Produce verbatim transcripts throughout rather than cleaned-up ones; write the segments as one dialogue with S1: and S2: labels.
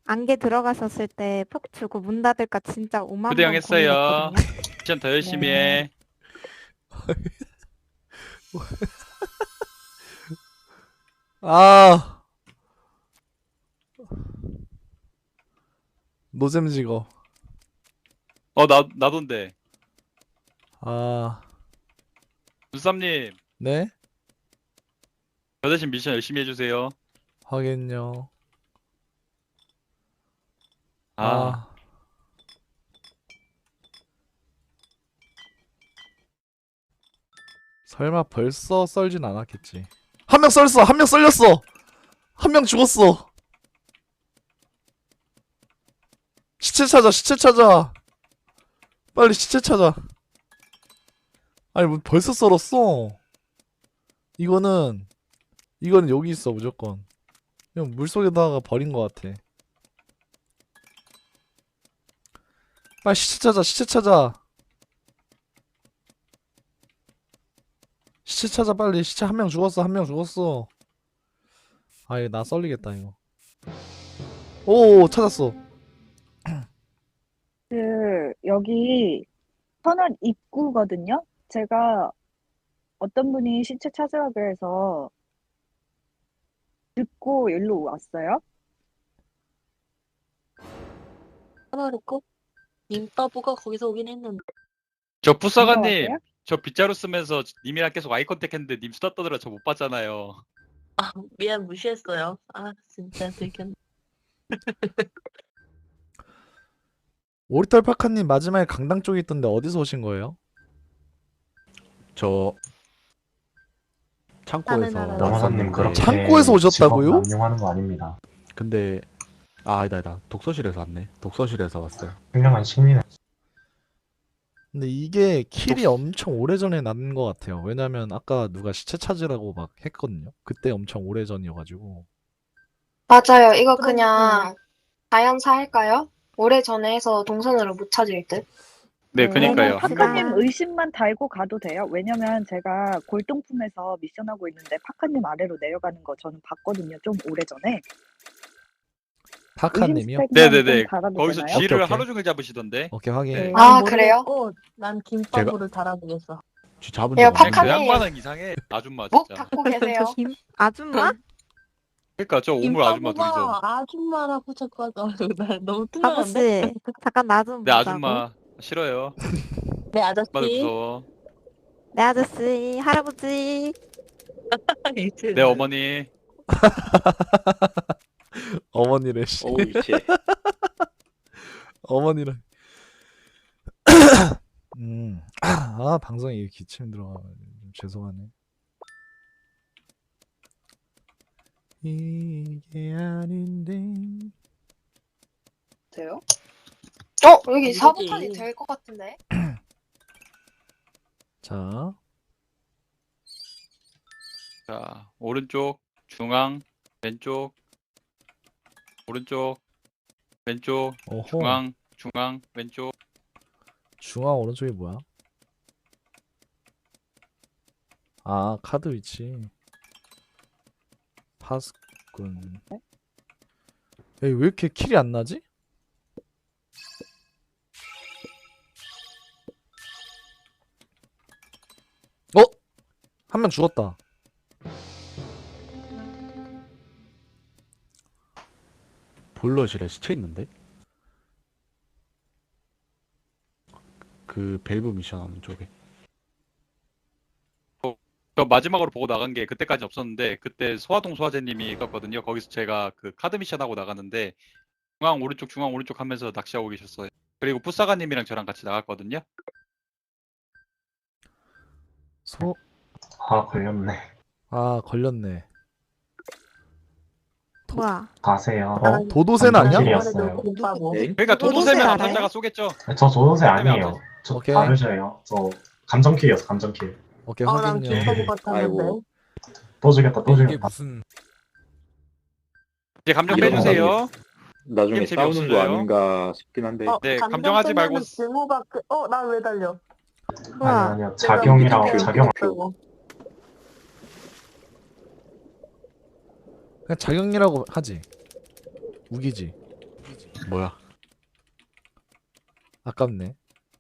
S1: 안개 들어가셨을 때 폭 주고 문 닫을까 진짜 오만
S2: 부대형
S1: 번
S2: 했어요.
S1: 고민했거든요.
S2: 미션 더 열심히
S1: 네.
S2: 해.
S3: 아 노잼 직업.
S2: 어, 나, 나돈데.
S3: 아
S2: 눈쌈님,
S3: 네?
S2: 저 대신 미션 열심히 해주세요.
S3: 하긴요.
S2: 아,
S3: 아 설마 벌써 썰진 않았겠지. 한 명 썰었어. 한 명 썰렸어. 한 명 죽었어. 시체 찾아. 시체 찾아. 빨리 시체 찾아. 아니 뭐 벌써 썰었어. 이거는 이거는 여기 있어 무조건. 그냥 물속에다가 버린 것 같아. 빨리 시체 찾아. 시체 찾아. 시체 찾아 빨리. 시체 한 명 죽었어. 한 명 죽었어. 아 이거 나 썰리겠다 이거. 오 찾았어.
S4: 그 여기 터널 입구거든요. 제가 어떤 분이 시체 찾으라 그래서 듣고 일로 왔어요.
S5: 하나 있고 님바보가 거기서 오긴 했는데
S2: 저
S4: 누가
S2: 푸사가님,
S4: 왔어요?
S2: 저 빗자루 쓰면서 님이랑 계속 아이 컨택 했는데 님 수다 떠들어 저 못 봤잖아요.
S5: 아 미안 무시했어요. 아 진짜 들켰네.
S3: 오리털 파카님 마지막에 강당 쪽에 있던데 어디서 오신 거예요?
S6: 저 창고에서
S5: 나는 알아요.
S7: 남아사님
S6: 왔었는데
S7: 그렇게
S3: 창고에서 오셨다고요?
S7: 직업 남용하는 거 아닙니다.
S6: 근데 아 아니다 아니다 독서실에서 왔네. 독서실에서 왔어요.
S7: 훌륭한 식민은
S3: 근데 이게 킬이
S6: 독-
S3: 엄청 오래전에 난 것 같아요. 왜냐면 아까 누가 시체 찾으라고 막 했거든요. 그때 엄청 오래전이어가지고.
S8: 맞아요. 이거
S5: 그럼,
S8: 그냥 자연사 할까요? 오래전에 해서 동선으로 못 찾을 듯.
S2: 네,
S1: 네,
S2: 그니까요.
S1: 합시다.
S4: 파카님 의심만 달고 가도 돼요. 왜냐면 제가 골동품에서 미션하고 있는데 파카님 아래로 내려가는 거 저는 봤거든요. 좀 오래전에. 의심
S3: 파카님이요?
S4: 스택만
S2: 네네네.
S4: 좀 달아도
S2: 거기서
S4: 되나요?
S2: 쥐를
S3: 오케이, 오케이.
S2: 하루 종일 잡으시던데.
S3: 오케이 확인.
S2: 네.
S8: 아, 그래요?
S5: 난 김바보를 달아보겠어.
S6: 쥐 잡은
S8: 야,
S6: 적 없는데.
S2: 그
S8: 파카님.
S2: 양반은 이상해. 아줌마
S8: 목
S2: 진짜.
S8: 닫고 계세요.
S1: 저 김 아줌마?
S2: 그러니까 저 오물 아줌마 둘이서.
S5: 김바보가 아줌마라고 자꾸 하더라고. 나 너무 뚱한데.
S1: 아저씨 잠깐 나 좀
S2: 네,
S1: 보자고.
S2: 아줌마 싫어요.
S5: 네 아저씨.
S2: 아줌마도 무서워.
S1: 네 아저씨 할아버지.
S5: 이제
S2: 네, 어머니.
S3: 어머니래 씨.
S9: 오우 씨.
S3: 어머니랑. 음. 아 방송에 이게 기침 들어가. 좀 죄송하네. 이게 아닌데.
S8: 돼요? 어, 여기
S5: 이거지.
S8: 사보탄이 될 것 같은데?
S3: 자.
S2: 자, 오른쪽, 중앙, 왼쪽, 오른쪽, 왼쪽,
S3: 어허.
S2: 중앙, 중앙, 왼쪽.
S3: 중앙 오른쪽이 뭐야? 아 카드 위치. 파스꾼. 야, 왜 이렇게 킬이 안 나지? 어? 한 명 죽었다.
S6: 보일러실에 시체 있는데? 그 밸브 미션 하는 쪽에.
S2: 저 마지막으로 보고 나간 게 그때까지 없었는데 그때 소화동 소화제님이 있었거든요. 거기서 제가 그 카드 미션 하고 나갔는데 중앙 오른쪽 중앙 오른쪽 하면서 낚시하고 계셨어요. 그리고 푸사가님이랑 저랑 같이 나갔거든요.
S3: 소...
S7: 아 걸렸네.
S3: 아 걸렸네.
S1: 뭐야?
S7: 가세요.
S3: 어? 도도새는 아니야?
S7: 안전실이었어요.
S5: 김바보.
S9: 엥?
S2: 그러니까
S1: 도도새
S2: 도도새면
S1: 알아요?
S2: 암살자가 쏘겠죠.
S7: 저 조선세 아니에요. 저
S3: 오케이.
S7: 다르셔요. 저 감정킬이었어 감정킬.
S3: 오케이
S5: 아난
S3: 확인요.
S5: 김바보 같았는데.
S9: 아이고.
S7: 또 죽였다 또
S10: 이게
S7: 죽였다.
S10: 무슨
S2: 이제 감정
S9: 이런
S2: 빼주세요.
S9: 나중에
S2: 게임
S9: 싸우는 거
S2: 재미없어져요.
S9: 아닌가 싶긴 한데.
S5: 어,
S2: 네,
S5: 감정
S2: 감정하지 말고
S5: 빼면은 증오가 그... 어, 나 왜 달려?
S1: 뭐야?
S7: 아니 아니요 작용이라고
S5: 내가
S7: 작용.
S5: 그랬다고.
S3: 그냥 자경이라고 하지. 우기지.
S6: 뭐야?
S3: 아깝네.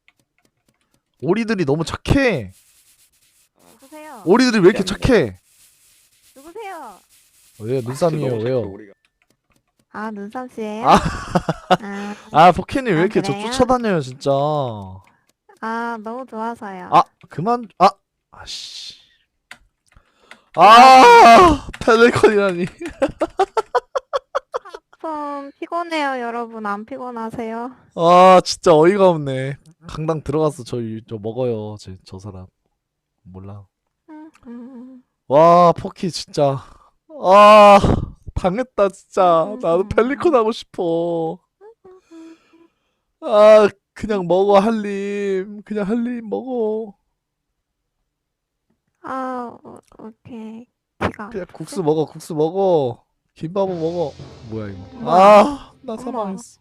S3: 오리들이 너무 착해.
S1: 누구세요?
S3: 오리들이 왜 이렇게 착해?
S1: 누구세요?
S3: 왜요? 눈싸움이에요. 왜요?
S1: 아, 눈삼 씨예요?
S3: 아.
S1: 아,
S3: 아, 포켓님 왜
S1: 아,
S3: 이렇게 저
S1: 그래요?
S3: 쫓아다녀요, 진짜.
S1: 아, 너무 좋아서요.
S3: 아, 그만. 아, 아씨. 아, 펠리컨이라니.
S1: 좀 피곤해요, 여러분. 안 피곤하세요?
S3: 아, 진짜 어이가 없네. 강당 들어가서 저, 저 먹어요. 저, 저 사람. 몰라.
S1: 음, 음.
S3: 와, 포키 진짜. 아, 당했다, 진짜. 나도 펠리컨 하고 싶어. 아, 그냥 먹어, 한림. 그냥 한림 먹어.
S1: 아, 어, 오케이. 지가.
S3: 그냥 국수 먹어, 국수 먹어. 김밥은 먹어. 뭐야, 이거.
S1: 어머.
S3: 아, 나
S1: 어머.
S3: 사망했어.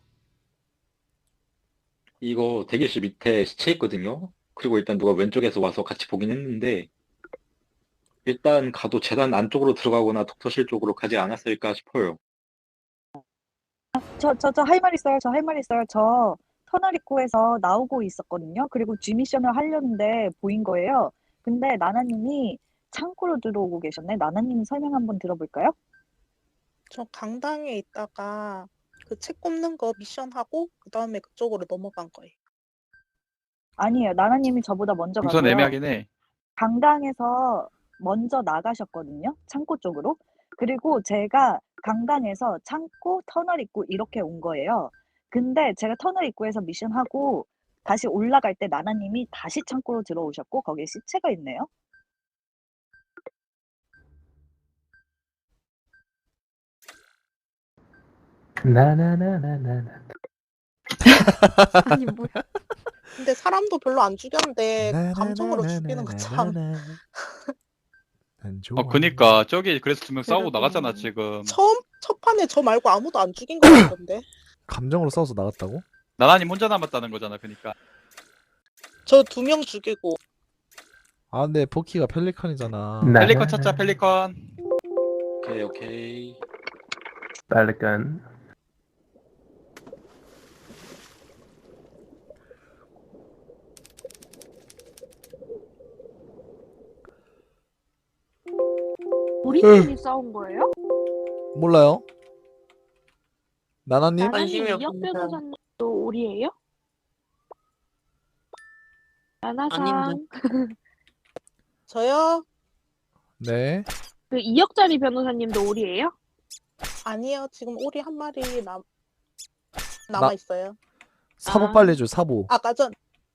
S9: 이거 대기실 밑에 시체 있거든요. 그리고 일단 누가 왼쪽에서 와서 같이 보긴 했는데 일단 가도 재단 안쪽으로 들어가거나 독서실 쪽으로 가지 않았을까 싶어요.
S4: 저, 저, 저 할 말 있어요. 저 할 말 있어요. 저 터널 입구에서 나오고 있었거든요. 그리고 G 미션을 하려는데 보인 거예요. 근데 나나님이 창고로 들어오고 계셨네. 나나님 설명 한번 들어볼까요?
S10: 저 강당에 있다가 그 책 꼽는 거 미션 하고 그 다음에 그쪽으로 넘어간 거예요.
S4: 아니에요. 나나님이 저보다 먼저
S2: 동선
S4: 가고요.
S2: 애매하긴 해.
S4: 강당에서 먼저 나가셨거든요. 창고 쪽으로. 그리고 제가 강당에서 창고, 터널 입구 이렇게 온 거예요. 근데 제가 터널 입구에서 미션하고 다시 올라갈 때 나나님이 다시 창고로 들어오셨고 거기에 시체가 있네요.
S11: 나나나나나나.
S1: 아니, 뭐야.
S10: 근데 사람도 별로 안 죽였는데 감정으로 죽이는 거 참.
S2: 어, 그니까 저기 그래서 두 명 싸우고 나갔잖아 지금.
S10: 처음 첫 판에 저 말고 아무도 안 죽인 거 같던데.
S3: 감정으로 싸워서 나갔다고?
S2: 나나님 혼자 남았다는 거잖아. 그니까.
S10: 저 두 명 죽이고.
S3: 아, 근데 포키가 펠리컨이잖아.
S2: 펠리컨 찾자 펠리컨.
S9: 오케이 오케이.
S11: 빨간.
S12: 우리끼리 싸운 거예요?
S3: 몰라요? 나나님?
S12: 나나님 이혁 변호사님도 우리예요? 나나상
S10: 저요?
S3: 네.
S12: 그 이혁자리 변호사님도 우리예요?
S10: 아니요. 지금 오리 한 마리 남 남아 있어요.
S3: 사보
S12: 아.
S3: 빨리 해줘, 사보.
S10: 아까 전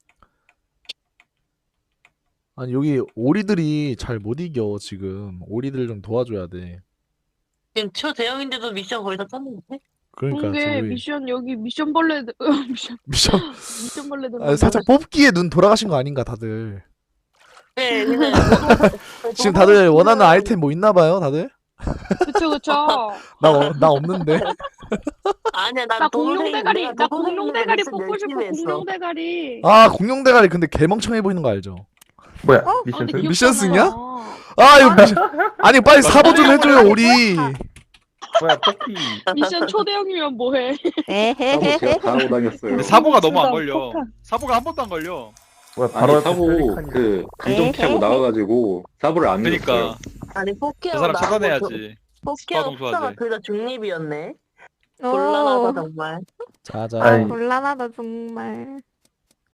S3: 아니, 여기 오리들이 잘 못 이겨, 지금. 오리들 좀 도와줘야 돼.
S5: 지금 초대형인데도 미션 거의 다 떴는데?
S3: 그러니까,
S12: 그게
S3: 저기.
S12: 미션 여기 미션 벌레 미션
S3: 미션.
S12: 미션 벌레들
S3: 아, 살짝 뽑기에 눈 돌아가신 거 아닌가, 다들.
S5: 네, 근데
S3: 지금 다들 원하는 아이템 뭐 있나 봐요, 다들?
S12: 그쵸 그쵸.
S3: 나, 어, 나 없는데.
S5: 아니야,
S12: 나
S5: 난
S12: 공룡 대가리 나 공룡 대가리
S5: 뽑고
S12: 뽑고 싶어. 공룡 대가리.
S3: 아, 공룡 대가리 근데 개멍청해 보이는 거 알죠?
S11: 뭐야?
S12: 어?
S11: 미션
S12: 근데
S11: 승?
S3: 미션
S12: 귀엽잖아.
S3: 승이야? 아, 이거 미션. 아니, 빨리 사보 좀 해줘요, 오리.
S11: 뭐야? 토끼.
S12: 미션 초대형이면 뭐해?
S9: 사보
S1: 에헤헤헤.
S9: 제가 다 하고 다녔어요.
S2: 근데 사보가 너무 안
S4: 폭탄,
S2: 걸려.
S4: 폭탄.
S2: 사보가 한 번도 안 걸려.
S11: 뭐야?
S9: 아니
S11: 바로 옆에
S9: 사보
S11: 펠리컨이.
S9: 그 감정 피하고 나와가지고 사보를 안 눌렀어요.
S2: 그니까
S5: 아니
S2: 그
S5: 포키하고
S2: 사람
S5: 나하고
S2: 차단해야지.
S5: 포키하고
S2: 수화동 수화제.
S5: 푸사가 둘 다 중립이었네.
S1: 오.
S5: 곤란하다 정말.
S3: 자자.
S1: 아,
S11: 아이.
S1: 곤란하다, 정말.